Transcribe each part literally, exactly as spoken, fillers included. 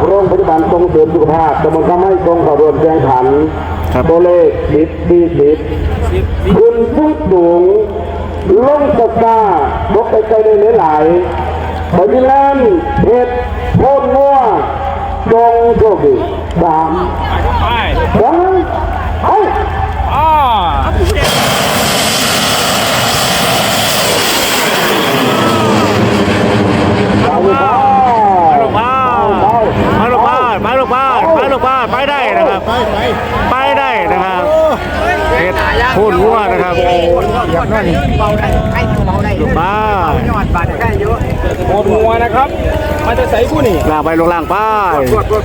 โรงพยาบาลส่งเสริมสุขภาพตำบลข้าไม้ตรงขบวนแข่งขันตัวเลขสิบที่สิบขึ้นพุ่งสูงลงตะกร้าบกไปไกลเลยหลายไปที่แลนด์เพชรโพนงัวจงโชคดีสามสองเอ้าอ๋อมาลูกบ้านมาลูกบ้านมาลูกบ้านไปได้นะครับไปได้นะครับเฮ็ดพูดวัวนะครับลูกบ้านโคตรงัวนะครับมันจะใส่ผู้นี่ล่างไปลงล่างป้าย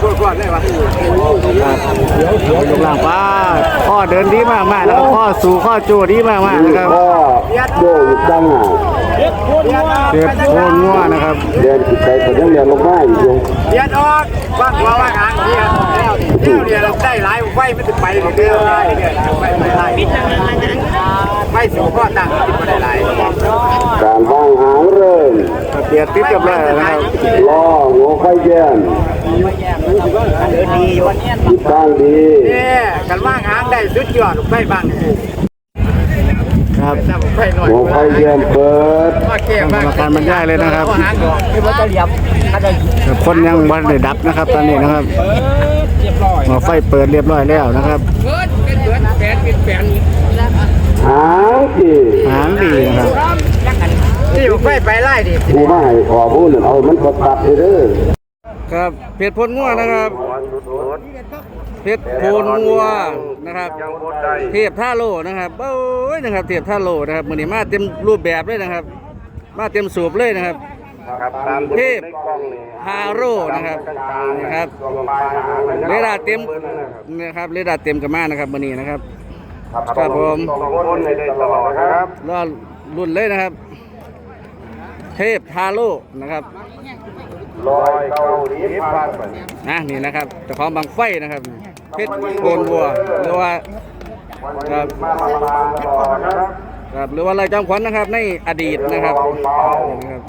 ลงล่างป้ายข้อเดินดีมากมากนะครับข้อสู่ข้อจูดีมากมากนะครับโยกจังอ่ะเจ็บโคนงัวนะครับเดินติดใจแต่ยังเดินลงมาอยู่เดียนออกว่างว่าว่างหางเดียนเดียวเดียวเราได้หลายไฟไม่ถึงไปเดียวได้เดียวไฟไม่ได้ไฟสูงข้อตั้งติดมาได้หลายการว่างหางเริ่มเปลี่ยนติดกับแล้วนะครับล้อหัวไฟแย่นเดินดีอยู่ติดตั้งดีเนี่ยการว่างหางได้สุดยอดไฟบางครับหัวไฟแย่นเปิดกรรมการบรรยายเลยนะครับคนยังบอลได้ดับนะครับตอนนี้นะครับหัวไฟเปิดเรียบร้อยแล้วนะครับหางดีหางดีนะครับนี่ไฟไปไล่ดิผู้ไม่ขอพูดเอามันกดตัดเด้อครับเพชรพลงัวนะครับเพชรพลงัวนะครับเทียบท่าโลนะครับโอ้ยนะครับเทียบท่าโลนะครับมือนี้มาเต็มรูปแบบเลยนะครับมาเต็มสูบเลยนะครับเทพฮาโร่นะครับนะครับเรดาร์เต็มนะครับเรดาร์เต็มกับมานะครับมือนี้นะครับครับผมรอรุ่นเลยนะครับเทพฮาโร่นะครับลอยเกาหลีพันนะนี่นะครับเจ้าของบางไฟนะครับเพชรโกนวัวหรือว่าครับครับหรือว่าอะไรจอมขวัญนะครับในอดีตนะครับนะครับ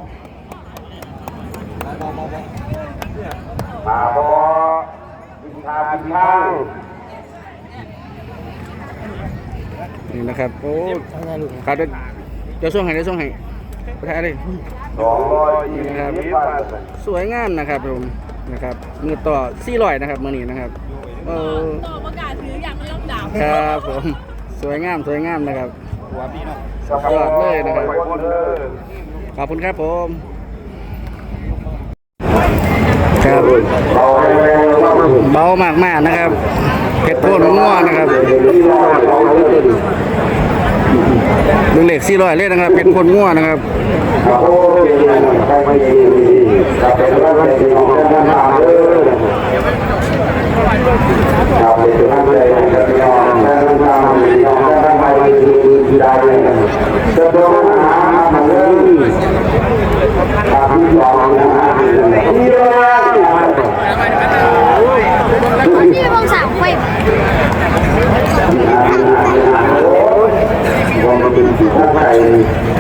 มาบอวิชาพิทางนี่นะครับโอ้ขาดจะส่งให้ได้ส่งให้ไปถ่ายเลยนะครับสวยงามนะครับผมนะครับมือต่อสี่ร้อยนะครับมือนี้นะครับเออต่อประกาศถืออย่างไม่ต้องด่าครับผมสวยงามสวยงามนะครับยอดเลยนะครับขอบคุณครับผมครับเบามากมากนะครับเพชรโพนงัวนะครับดูเหล็กสี่ร้อยเลยนะครับเป็นคนงัวนะครับที่วงสามไฟวงเป็นสีข้าวไก่